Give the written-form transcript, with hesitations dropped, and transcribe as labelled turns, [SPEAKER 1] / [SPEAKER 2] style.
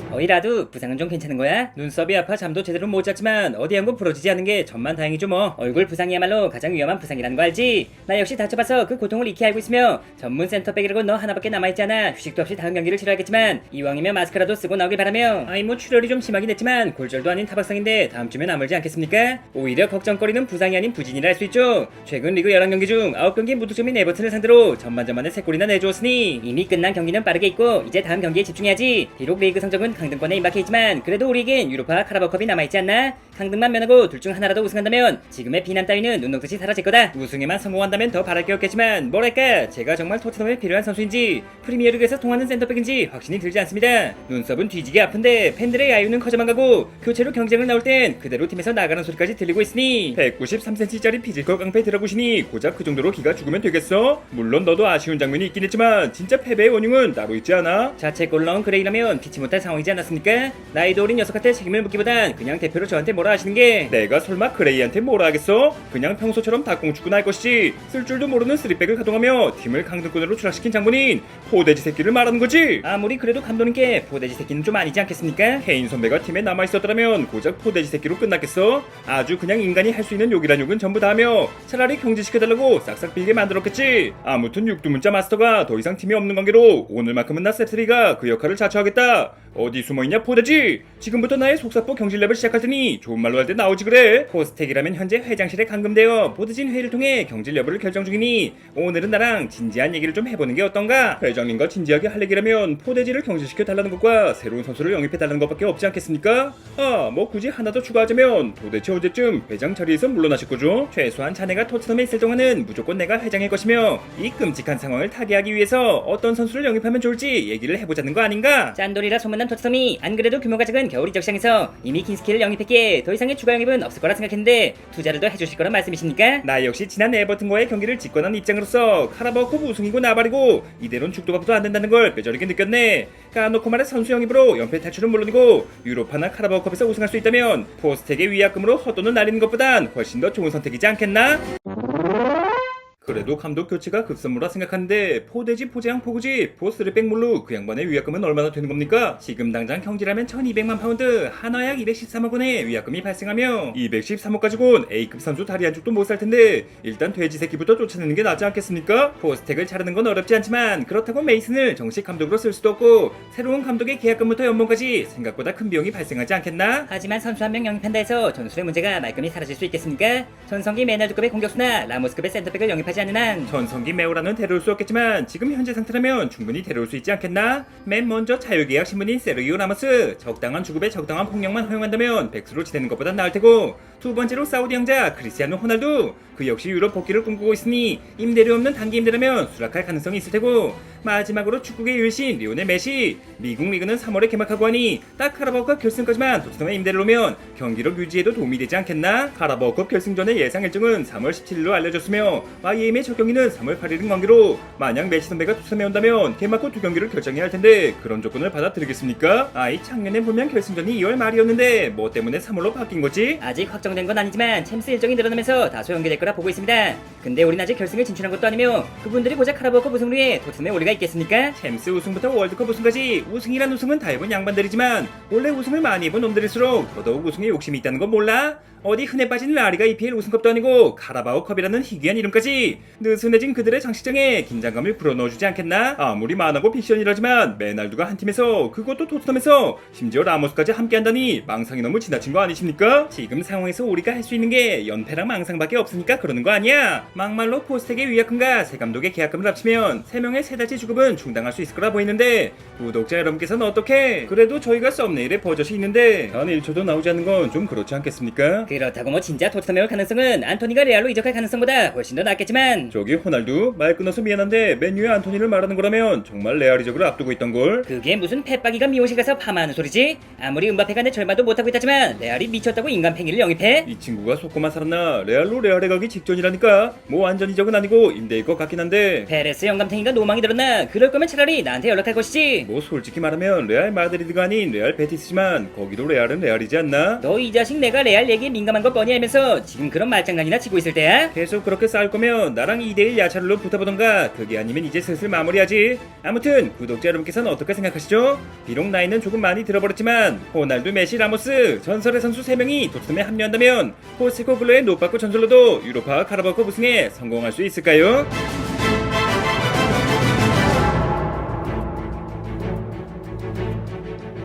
[SPEAKER 1] 어이라도 부상은 좀 괜찮은 거야? 눈썹이 아파 잠도 제대로 못 잤지만 어디 한 곳 부러지지 않은 게 천만 다행이죠 뭐. 얼굴 부상이야말로 가장 위험한 부상이라는 거 알지? 나 역시 다쳐봐서 그 고통을 익히 알고 있으며 전문 센터백이라고 너 하나밖에 남아있잖아. 휴식도 없이 다음 경기를 치러야겠지만 이왕이면 마스크라도 쓰고 나오길 바라며. 아이 뭐 출혈이 좀 심하긴 했지만 골절도 아닌 타박상인데 다음 주면 아물지 않겠습니까? 오히려 걱정거리는 부상이 아닌 부진이라 할 수 있죠. 최근 리그 11경기 중 9경기 무득점인 에버튼을 상대로 전반전만에 3골이나 내주었으니 이미 끝난 경기는 빠르게 있고 이제 다음 경기에 집중해야지. 비록 리그 성적은 강등권에 임박해있지만 그래도 우리에겐 유로파 카라바오컵이 남아있지 않나? 강등만 면하고 둘 중 하나라도 우승한다면 지금의 비난 따위는 눈 녹듯이 사라질 거다. 우승에만 성공한다면 더 바랄 게 없겠지만 뭐랄까 제가 정말 토트넘에 필요한 선수인지 프리미어리그에서 통하는 센터백인지 확신이 들지 않습니다. 눈썹은 뒤지게 아픈데 팬들의 야유는 커져만 가고 교체로 경쟁을 나올 땐 그대로 팀에서 나가는 소리까지 들리고 있으니 193cm짜리 피지컬 깡패 드라구신이 고작 그 정도로 기가 죽으면 되겠어? 물론 너도 아쉬운 장면이 있긴 했지만 진짜 패배의 원흉은 따로 있지 않아? 자책골 넣은 그레이라면 피치 못할 상황이지 않았습니까? 나이도 어린 녀석한테 책임을 묻기보단 그냥 대표로 저한테 뭐라 하시는 게. 내가 설마 그레이한테 뭐라 하겠어? 그냥 평소처럼 닭공축구나 할 것이지 쓸 줄도 모르는 쓰리백을 가동하며 팀을 강등권으로 추락시킨 장본인 포대지 새끼를 말하는 거지. 아무리 그래도 감독님께 포대지 새끼는 좀 아니지 않겠습니까? 케인 선배가 팀에 남아있었더라면 고작 포대지 새끼로 끝났겠어? 아주 그냥 인간이 할 수 있는 욕이란 욕은 전부 다 하며 차라리 경질시켜달라고 싹싹 빌게 만들었겠지. 아무튼 육두문자 마스터가 더 이상 팀이 없는 관계로 오늘만큼은 나 셉스리가 그 역할을 자처하겠다. 어디 숨어있냐 포대지? 지금부터 나의 속사포 경질랩을 시작할 테니 좋은 말로 할 때 나오지 그래. 포스텍이라면 현재 회장실에 감금되어 보드진 회의를 통해 경질 여부를 결정 중이니 오늘은 나랑 진지한 얘기를 좀 해보는 게 어떤가? 회장님과 진지하게 할 얘기라면 포대지를 경질시켜 달라는 것과 새로운 선수를 영입해 달라는 것밖에 없지 않겠습니까? 뭐 굳이 하나 더 추가하자면 도대체 언제쯤 회장 자리에서 물러나실 거죠? 최소한 자네가 토트넘에 있을 동안은 무조건 내가 회장일 것이며 이 끔찍한 상황을 타개하기 위해서 어떤 선수를 영입하면 좋을지 얘기를 해보자는 거 아닌가? 짠돌이라 소문난 토트넘이 안 그래도 규모가 작은 겨울 이적 시장에서 이미 킨스키를 영입했기에 더 이상의 추가 영입은 없을 거라 생각했는데 투자를 더 해주실 거란 말씀이십니까? 나 역시 지난 에버튼과의 경기를 직관한 입장으로서 카라바오컵 우승이고 나발이고 이대로는 죽도 밥도 안 된다는 걸 뼈저리게 느꼈네. 까놓고 말해 선수 영입으로 연패 탈출은 물론이고 유로파나 카라바오컵에서 우승할 수 있다면 포스텍의 위약금으로 헛돈을 날리는 것보단 훨씬 더 좋은 선택이지 않겠나? 그래도 감독 교체가 급선무라 생각하는데 포대지 포재양 포구지 포스리백 물로 그 양반의 위약금은 얼마나 되는 겁니까? 지금 당장 경질하면 1200만 파운드 한화약 213억 원의 위약금이 발생하며 213억 가지고는 A급 선수 다리 한쪽도 못 살 텐데 일단 돼지 새끼부터 쫓아내는 게 낫지 않겠습니까? 포스텍을 자르는 건 어렵지 않지만 그렇다고 메이슨을 정식 감독으로 쓸 수도 없고 새로운 감독의 계약금부터 연봉까지 생각보다 큰 비용이 발생하지 않겠나? 하지만 선수 한 명 영입한다 해서 전술의 문제가 말끔히 사라질 수 있겠습니까? 전성기 메날드급의 공격수나 라모스급의 센터백을 영입하지 않는 한 전성기 메오라는 데려올 수 없겠지만 지금 현재 상태라면 충분히 데려올 수 있지 않겠나? 맨 먼저 자유계약 신분인 세르기오 라모스 적당한 주급에 적당한 폭력만 허용한다면 백수로 지내는 것보단 나을 테고 두 번째로 사우디 형자 크리스티아노 호날두 그 역시 유럽 복귀를 꿈꾸고 있으니 임대료 없는 단기 임대라면 수락할 가능성이 있을 테고 마지막으로 축구계 유일신 리오넬 메시 미국 리그는 3월에 개막하고 하니 딱 카라바오컵 결승까지만 토트넘에 임대를 오면 경기력 유지에도 도움이 되지 않겠나? 카라바오컵 결승전의 예상 일정은 3월 17일로 알려졌으며 YM의 첫 경기는 3월 8일인 관계로 만약 메시 선배가 토트넘에 온다면 개막 후 두 경기를 결정해야 할 텐데 그런 조건을 받아들이겠습니까? 작년에 보면 결승전이 2월 말이었는데 뭐 때문에 3월로 바뀐 거지? 아직 확정된 건 아니지만 챔스 일정이 늘어나면서 다소 연기될 거라 보고 있습니다. 근데 우린 아직 결승을 진출한 것도 아니며 그분들이 고작 카라바오컵 우승을 위해 토트넘에 올 리가 있겠습니까? 챔스 우승부터 월드컵 우승까지 우승이란 우승은 다 해본 양반들이지만 원래 우승을 많이 해본 놈들일수록 더더욱 우승에 욕심이 있다는 건 몰라? 어디 흔해 빠진 라리가 EPL 우승컵도 아니고 카라바오컵이라는 희귀한 이름까지 느슨해진 그들의 장식장에 긴장감을 불어넣어주지 않겠나? 아무리 만하고 픽션이라지만 메날두가 한 팀에서 그것도 토트넘에서 심지어 라모스까지 함께한다니 망상이 너무 지나친 거 아니십니까? 지금 상황에서 우리가 할 수 있는 게 연패랑 망상밖에 없으니까 그러는 거 아니야? 막말로 포스텍의 위약금과 새 감독의 계약금을 합치면 3명의 세 달치 주급은 충당할 수 있을 거라 보이는데 구독자 여러분께서는 어떻게? 그래도 저희가 썸네일에 버젓이 있는데 단 1초도 나오지 않는 건 좀 그렇지 않겠습니까? 그렇다고 뭐 진짜 토트넘에 올 가능성은 안토니가 레알로 이적할 가능성보다 훨씬 더 낮겠지만
[SPEAKER 2] 저기 호날두 말 끊어서 미안한데 맨유의 안토니를 말하는 거라면 정말 레알 이적을 앞두고 있던걸?
[SPEAKER 1] 그게 무슨 펫박이가 미용실 가서 파마하는 소리지? 아무리 음바페가 내 절반도 못하고 있다지만 레알이 미쳤다고 인간 팽이를 영입해? 생각해?
[SPEAKER 2] 이 친구가 속고만 살았나? 레알로 레알에 가기 직전이라니까. 뭐 완전 이적은 아니고 임대일 것 같긴 한데.
[SPEAKER 1] 페레스 영감탱이가 노망이 들었나? 그럴 거면 차라리 나한테 연락할 것이지.
[SPEAKER 2] 뭐 솔직히 말하면 레알 마드리드가 아닌 레알 베티스지만 거기도 레알은 레알이지 않나?
[SPEAKER 1] 너 이 자식 내가 레알 얘기에 민감한 거 뻔히 알면서 지금 그런 말장난이나 치고 있을 때야?
[SPEAKER 2] 계속 그렇게 싸울 거면 나랑 2대1 야차를로 붙어보던가. 그게 아니면 이제 슬슬 마무리하지. 아무튼 구독자 여러분께서는 어떻게 생각하시죠? 비록 나이는 조금 많이 들어버렸지만 호날두, 메시, 라모스 전설의 선수 3명이 토트넘에 합류한다면 포스코글로의 노빠꾸 전설로도 유로파 카라바오컵 우승에 성공할 수 있을까요?